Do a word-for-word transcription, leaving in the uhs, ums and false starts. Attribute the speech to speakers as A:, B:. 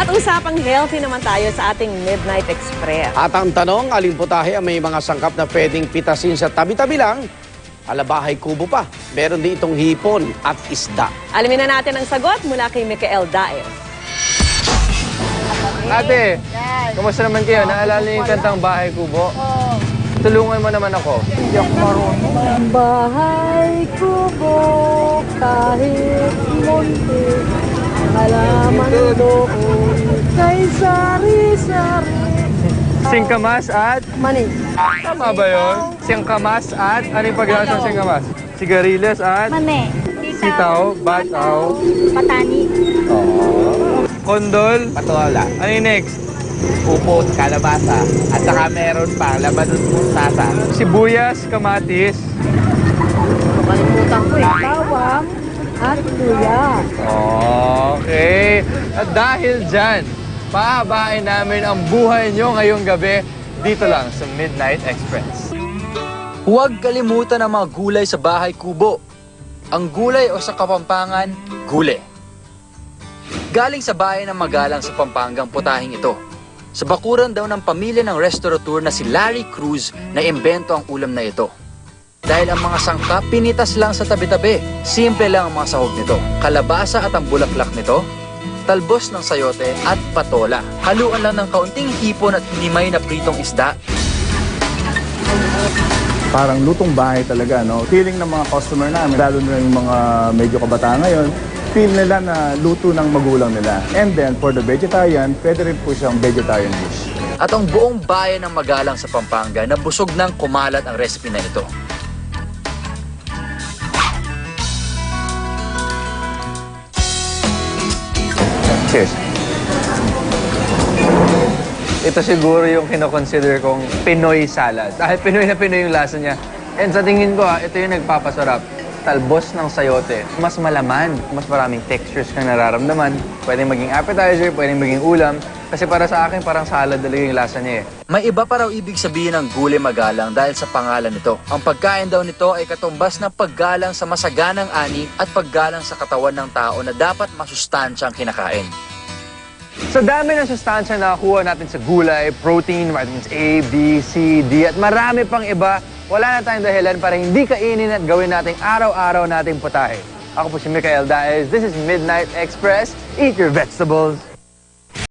A: Usapang healthy naman tayo sa ating Midnight Express.
B: At ang tanong, alin putahe ang may mga sangkap na pwedeng pitasin sa tabi-tabi lang? Alabahay kubo pa. Meron din itong hipon at isda.
A: Alamin na natin ang sagot mula kay Micael Daes.
C: Ate, kumusta naman kayo? Naalala niyo yung kantang Bahay Kubo? Oo. Tulungan mo naman ako.
D: Hindi ako marunong. Bahay kubo kahit munti, halaman doon kay sari-sari.
C: Singkamas at...
D: Mani.
C: Tama ba yun? Singkamas at... Ano yung paglasa ng singkamas? Sigarilyas at...
E: Mame.
C: Sitaw, bataw.
E: Patani.
C: Oh. Kondol.
F: Patola,
C: Ano yung next?
F: upo, kalabasa, at saka meron pa, labanos mustasa.
C: Sibuyas, kamatis.
D: Kalimutan ko eh. Bawang at luya.
C: Okay. At dahil dyan, pahabain namin ang buhay nyo ngayong gabi dito lang sa Midnight Express.
G: Huwag kalimutan ang mga gulay sa Bahay Kubo. Ang gulay o sa Kapampangan, gule. Galing sa bayan ng Magalang sa Pampangang putahing ito. Sa bakuran daw ng pamilya ng restaurateur na si Larry Cruz na imbento ang ulam na ito. Dahil ang mga sangkap pinitas lang sa tabi-tabi. Simple lang ang mga sahog nito. Kalabasa at ang bulaklak nito, talbos ng sayote at patola. Haluan lang ng kaunting hipon at hinimay na pritong isda.
H: Parang lutong bahay talaga, no? Feeling ng mga customer namin, lalo na yung mga medyo kabataan ngayon, feel nila na luto ng magulang nila. And then, for the vegetarian, pwede rin po siyang vegetarian dish.
G: At ang buong bayan ng Magalang sa Pampanga na busog ng kumalat ang recipe na ito.
C: Cheers. Ito siguro yung kinoconsider kong Pinoy salad. Dahil Pinoy na Pinoy yung lasa niya. And sa tingin ko, ah, ito yung nagpapasarap. Talbos ng sayote. Mas malaman, mas maraming textures kang nararamdaman. Pwedeng maging appetizer, pwedeng maging ulam. Kasi para sa akin, parang salad talaga yung lasa niya eh.
G: May iba pa raw ibig sabihin ng gulay magalang dahil sa pangalan nito. Ang pagkain daw nito ay katumbas ng paggalang sa masaganang ani at paggalang sa katawan ng tao na dapat masustansyang kinakain.
C: Sa dami ng sustansya na nakuha natin sa gulay, protein, vitamins A, B, C, D, at marami pang iba, wala na tayong dahilan para hindi kainin at gawin nating araw-araw nating putahe. Ako po si Micael Daes. This is Midnight Express. Eat your vegetables.